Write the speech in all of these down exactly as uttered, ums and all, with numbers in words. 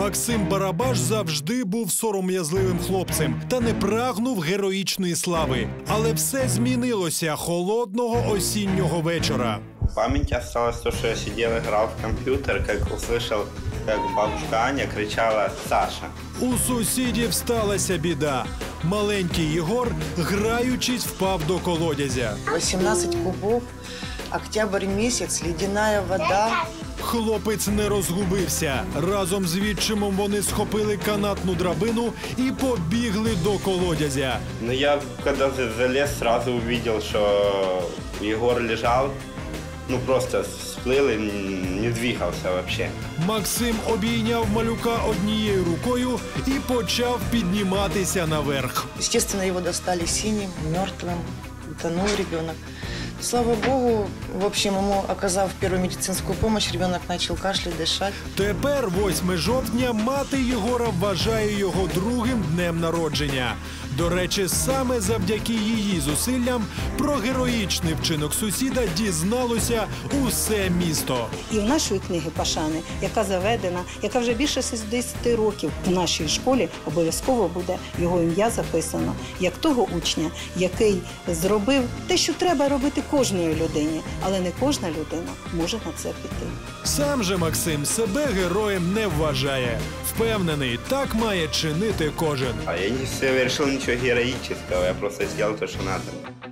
Максим Барабаш завжди був сором'язливим хлопцем та не прагнув героїчної слави. Але все змінилося холодного осіннього вечора. В памяти осталось то, что я сидел, играл в компьютер, как услышал, как бабушка Аня кричала «Саша». У сусідів сталася біда. Маленький Єгор, граючись, впав до колодязя. восемнадцать кубов, октябрь місяць, ледяная вода. Хлопець не розгубився. Разом з відчимом вони схопили канатну драбину і побігли до колодязя. Но я, когда залез, сразу увидел, что Егор лежал, ну просто всплыл и не двигался вообще. Максим обійняв малюка однією рукою і почав підніматися наверх. Естественно, его достали синим, мертвым, утонул ребенок. Слава Богу, в общем, ему, оказав первую медицинскую помощь, ребенок начал кашлять, дышать. Тепер, восьме жовтня, мати Єгора вважає його другим днем народження. До речі, саме завдяки її зусиллям про героїчний вчинок сусіда дізналося усе місто. І в нашої книги пошани, яка заведена, яка вже більше шістдесят років в нашій школі, обов'язково буде його ім'я записано, як того учня, який зробив те, що треба робити кожної людині, але не кожна людина може на це піти. Сам же Максим себе героєм не вважає. Впевнений, так має чинити кожен. А я не совершил ничего героического, я просто сделал то, что надо.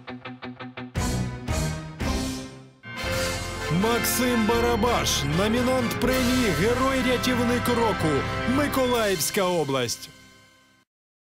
Максим Барабаш, номінант премії «Герой-рятівник року», Миколаївська область.